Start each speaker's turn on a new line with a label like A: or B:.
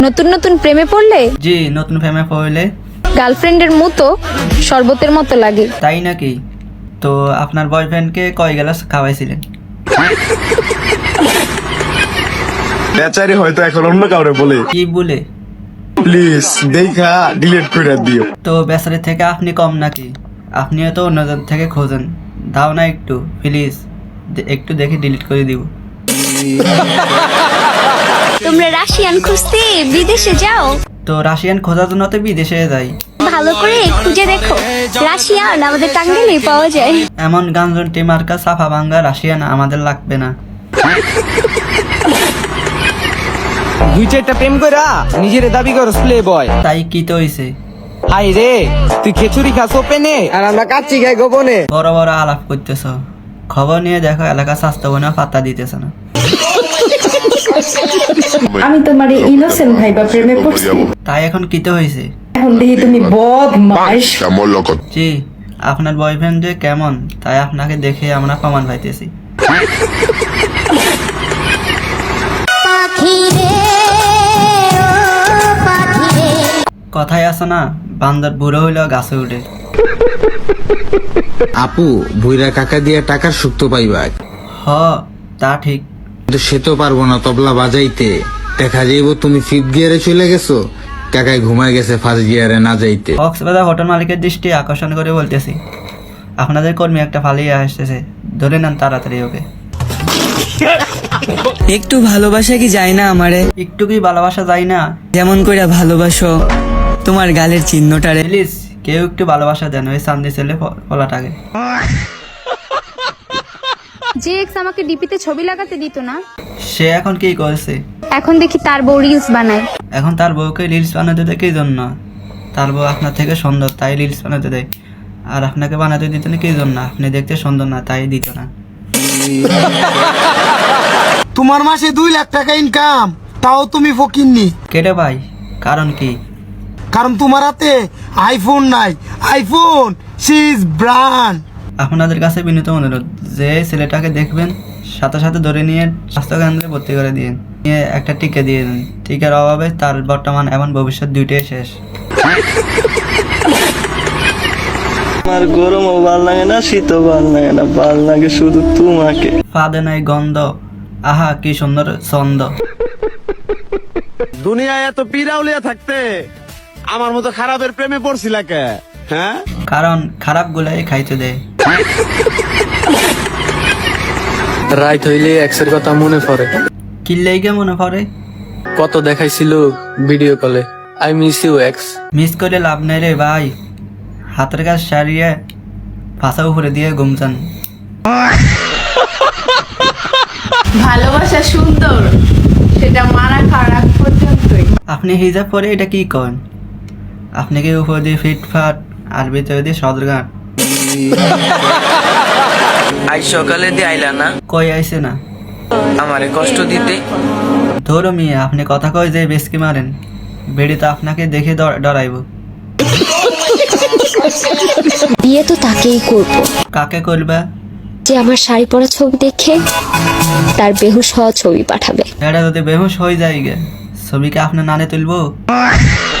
A: নতুন নতুন প্রেমে পড়লে
B: জি, নতুন প্রেমে পড়লে
A: গার্লফ্রেন্ডের মতো শরবতের মতো লাগে।
B: তাই নাকি? তো আপনার বয়ফ্রেন্ডকে কয় গ্লাস খাওয়াইছিলেন?
C: বেচারি হয়তো এখন অন্য কাউরে বলে।
B: কি বলে?
C: প্লিজ দেখা ডিলিট করে দিও।
B: তো বেচারির থেকে আপনি কম নাকি? আপনিও তো অন্যজন থেকে খোঁজেন, দাও না একটু প্লিজ, একটু দেখে ডিলিট করে দিব।
A: তোমরা রাশিয়ান খুঁজতে বিদেশে যাও?
B: তো রাশিয়ান খোঁজার জন্য তো বিদেশে যাই।
A: ভালো করে খুঁজে দেখো, রাশিয়ান আমাদের টাঙ্গাইলে পাওয়া যায়।
B: এমন গাঞ্জনটি মার্কা সাফা ভাঙ্গা রাশিয়ান আমাদের লাগবে না।
D: দুই চারটা প্রেম কইরা নিজের দাবি করস প্লে বয়।
B: তাই কি তো হইছে?
D: হাই রে, তুই খেচুরি খাস ওপেনে আর আমরা কাচ্চি খাই গোপনে।
B: বড় বড় আলাপ করতেছ, খবর নিয়ে দেখো এলাকা স্বাস্থ্যবনা পাত্তা দিতেছ না।
E: আমি তোমার ইনোসেন্ট ভাইবা প্রেমে পড়ছি,
B: তাই এখন কি তো হয়েছে?
E: এখন দেখি তুমি বদমাইশ।
B: জি, আপনার বয়ফ্রেন্ড যে কেমন তাই আপনাকে দেখে আমরা প্রমাণ পাইতেছি। কথাই আছে না, বান্দর বুড়ো হইলেও গাছে উঠে।
F: আপু ভুইরা কাকা দিয়ে টাকার সুক্ত পাইবা,
B: হ, তা ঠিক।
F: কিন্তু সে তো পারবো না তবলা বাজাইতে। দেখা যাইব তুমি ফিফথ গিয়ারে চলে গেছো, কাকায় ঘুমায় গেছে ফার্স্ট গিয়ারে না যাইতে।
B: কক্সবাজার হোটেল মালিকের দৃষ্টি আকর্ষণ করে বলতেছি, আপনাদের কর্মী একটা পালিয়ে আসতেছে, ধরে নেন তাড়াতাড়ি ওকে।
G: একটু ভালোবাসা কি যায় না আমারে?
B: একটু কি ভালোবাসা যায় না?
G: যেমন করে ভালোবাসো তোমার গালের চিহ্নটারে।
B: প্লিজ কেউ একটু ভালোবাসা দেন ওই সামনে ছেলে ফলাটাকে।
A: যে এক্স আমাকে ডিপিতে ছবি লাগাতে দিত না,
B: সে এখন কি করছে?
A: এখন দেখি তার বউ রিলস বানায়।
B: এখন তার বউকে রিলস বানাতে দেয় কি জন্য? তার বউ আপনার থেকে সুন্দর তাই রিলস বানাতে দেয়, আর আপনাকে বানাতে দিত না কি জন্য? আপনি দেখতে সুন্দর না তাই দিত না।
H: তোমার মাসে 2 লাখ টাকা ইনকাম, তাও তুমি ফকিন্নি।
B: কেটে ভাই, কারণ কি?
H: কারণ তোমার হাতে আইফোন নাই। আইফোন সিজ ব্র্যান্ড।
B: আপনাদের কাছে বিনীত অনুরোধ, যে ছেলেটাকে দেখবেন সাথে সাথে ধরে নিয়ে স্বাস্থ্যকেন্দ্রে ভর্তি করে দিন, নিয়ে একটা টিকা দিয়ে দিন। টিকার অভাবে তার বর্তমান এবং ভবিষ্যৎ দুইটাই শেষ।
I: আমার গরমও ভাল লাগে না, শীতও ভাল লাগে না, ভাল লাগে শুধু তোমাকে।
B: ফাঁদে নাই গন্ধ, আহা কি সুন্দর ছন্দ।
C: দুনিয়ায় এত পিরাউলিয়া থাকতে আমার মতো খারাপের প্রেমে পড়ছিলা কে? হ্যাঁ,
B: কারণ খারাপ গুলাই খাইতে দেয়।
I: রাইত হইলে এক্সের কথা মনে পড়ে,
B: কিল্লাইকে মনে পড়ে?
I: কত দেখাইছিল ভিডিও কলে, I miss you ex.
B: Miss করে লাভ নেই রে ভাই, হাতের কাজ সারিয়ে ফাঁসা উপরে দিয়ে ঘুমচান।
E: ভালোবাসা সুন্দর, সেটা মারা খারাপ পর্যন্তই।
B: আপনি হিজাব পরে এটা কি করেন? আপনি কি উপর দিয়ে ফিটফাট আর ভিতরে দিয়ে সদরঘাট?
G: আজ সকালে দিয়ে আইলা না,
B: কই আইছে না?
G: আমারে কষ্ট দিতে।
B: ধরো মিয়া, আপনি কথা কয় যে বেশকি মারেন, বেড়ি তো আপনাকে দেখে ডরাইব।
A: বিয়ে তো তাকেই করব
B: কাকে করবা?
A: যে আমার শাড়ি পরা ছবি দেখে তার বেহুশ হওয়া ছবি পাঠাবে।
B: এটা যদি বেহুশ হয়ে যায় গে, ছবিকে আপনার নানে তুলবো?